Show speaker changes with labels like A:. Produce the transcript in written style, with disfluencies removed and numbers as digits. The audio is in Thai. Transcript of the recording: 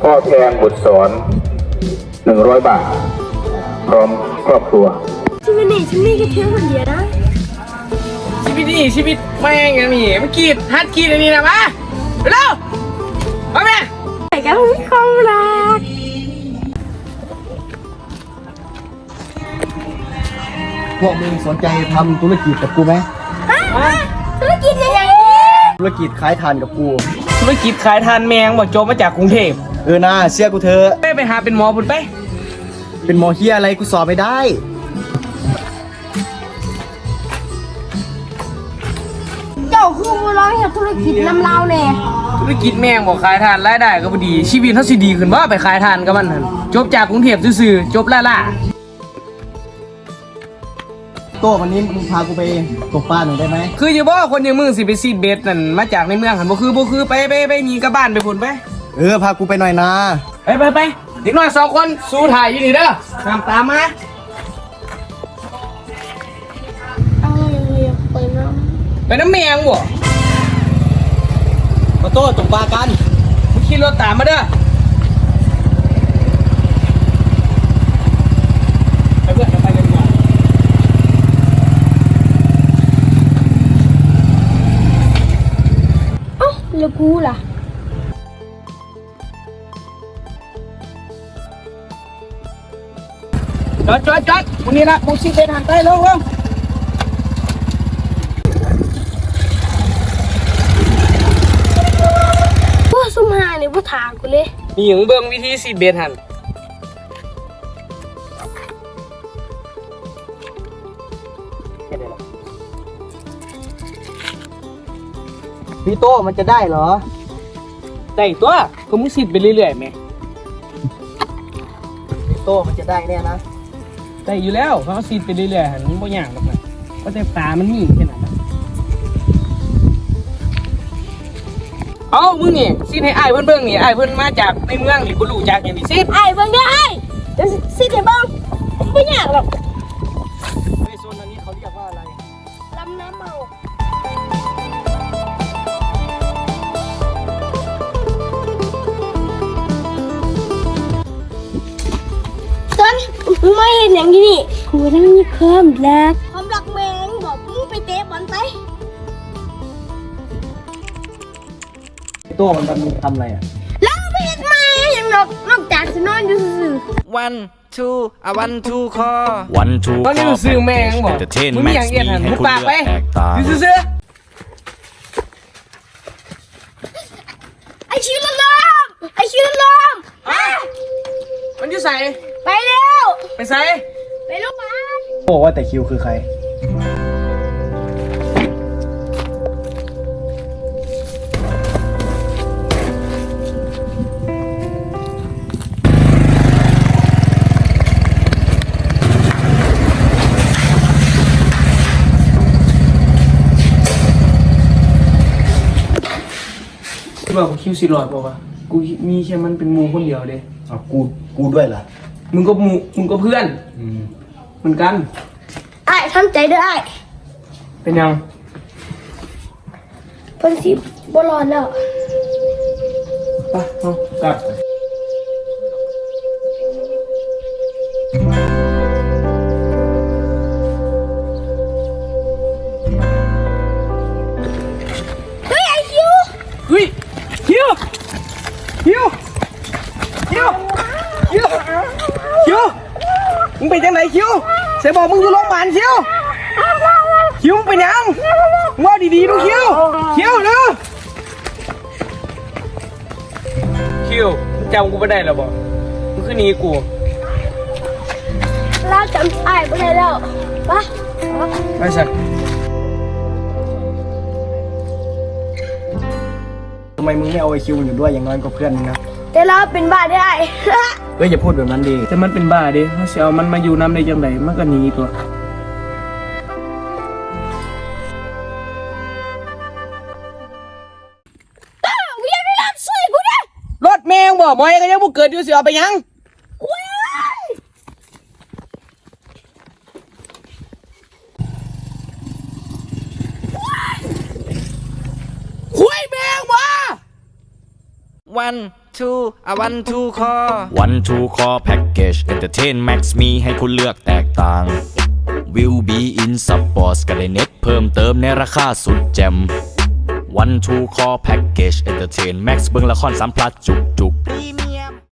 A: พ่อแทนบุตรสอน100 บาทพร้อมครอบครัว
B: ชีวิตนี้ฉันมีแค่เธอคนเดียวนะ
C: ชีวิตนี่ชีวิตแม่งอย่างนี้เมื่อกี้ฮัดขีดอันนี้นะมาเร็วมาแม่
B: ใส่กันมีความรัก
D: พวกมึงสนใจทำธุรกิจกับกูไหม
B: ธุรกิจยังไง
D: ธุรกิจขายถ่านกับกู
C: ธุรกิจขายทานแมงบอกจบมาจากกรุงเทพ
D: นะเชื่อกูเถอะ
C: ไปหาเป็นหมอพุ่นไป
D: เป็นหมอเฮียอะไรกูสอบไม่ได้
B: เจ้าคือร้องเกี่ยวกับธุรกิจน้ำเล่าเนี่ย
C: ธุรกิจแมงบอกขายทานรายได้ก็พอดีชีวิตเขาสิดีขึ้นว่าไปขายทานกับมันนั่นจบจากกรุงเทพซื่อๆจบล่า
D: โต้วันนี้มึงพากูไปตกปลาหน่อยได้ไหม
C: คืออย่าบอกคนอย่างมึงสิไปซีดเบสนั่นมาจากในเมืองหันบ่คือไปหนีกับบ้านไปพุ่นไป
D: พากูไปหน่อยนะ
C: ไปเด็กน้อย2 คนสู้ถ่ายอยู่นี่เด้อตามมาไปน้ำแมงบ่
D: มาโต้ตกปลากัน
C: มึงขี่รถตามมาเด้อไปเพื่อนไปกันก่อน
B: แล้วกูล่ะ
C: จอดวันนี้ละมึงชิดเดินหันใต้ลง
B: พวกซุ่มหาเนี่ยพวกถามกูเลย
C: นี่อย่างเบิ่งวิธีซีดเบสหัน
D: พี่โต้มันจะได้เหรอ
C: ได้ตัวก็มึงซีดไปเรื่อยๆไหม
D: พี่โต้มันจะได้แน่นะ
C: ได้อยู่แล้วเขาซีดไปเรื่อยๆหันมึงบ่ยากหรอกนะก็แต่ตามันมีแค่นั้นเอามึงนี่ซีดให้อ้ายเพิ่นเบิ่งนี่อ้ายเพิ่นมาจากในเมืองนี่บ่รู้จักอย่างนี้ซีด
B: ไอ้เบิ่งเด้อไอ้เดี๋ยวสิเดี๋ยวเบิ่งไม่ยากหรอก
C: ในโซนนี้เขาเรียกว่าอะไร
B: ลำน้ำเมาต้นมึงไม่เห็นอย่างนี้นี่กูต้องมีความรักแมงบอกมึงไปเตะบอลไป
D: พี่โต้มันทำอะไรอ่ะ
B: แล้วไม่เห็นมาอย่างนอกจากจะนอนอยู่ซื่อ
E: One two one two คอ
F: One two
C: ตอนนี้มึงซื้อแมงบอกมึงมีอย่างเงี้ยหันมึงปากไปซื้อ
B: ไอชิวละลม
C: มันอยู่ใส่
B: ไปเร็ว
C: ไปใส่
B: ไปโรงพยาบาล
D: บอกว่าแต่คิวคือใคร
C: ที่บอกกูคิวสิรอดป่าวะกูมีแค่มันเป็นมูคนเดียวเด้
D: กูด้วยล่ะ
C: มึงก็เพื่อนเหมือนกัน
B: ไอ้ทำใจด้วยไอ้
C: เป็นยัง
B: เพิ่นสิบ่รอดแล้ว
C: ไปเอากลับ
B: เฮ้ยไอ้คิว
C: มึงไปจังไหนคิวเสยบอกมึงอยู่โรงพยาบาลคิวมึงไปยังว่าดีๆดูคิวเร็วคิวมึงจำกูไม่ได้หรอบอกมึงคือหนีกู
B: เราจำไอ้ไม่ได้แล้ว
C: ไปสัก
D: ทำไมมึงไม่เอาไอคิวอยู่ด้วยอย่างน้อยก็เพื่อนมึงนะ
B: แต่เราเป็นบ้าได้
D: อย่าพูดแบบนั้นดิ
C: แต่มันเป็นบ้าดิเขาเสียมันมาอยู่น้ำได้ยังไงมันก็หนีตัวรถแมงบ่มอยก็ยังบ่เกิดอยู่เสียไปยัง
E: one two one two call
F: One Two Call Package Entertain Max มีให้คุณเลือกแตกต่าง Will be in Sports ก็ได้เน็ตเพิ่มเติมในราคาสุดแจ่ม One Two Call Package Entertain Max เบิ่งละคร3 พลัสจุก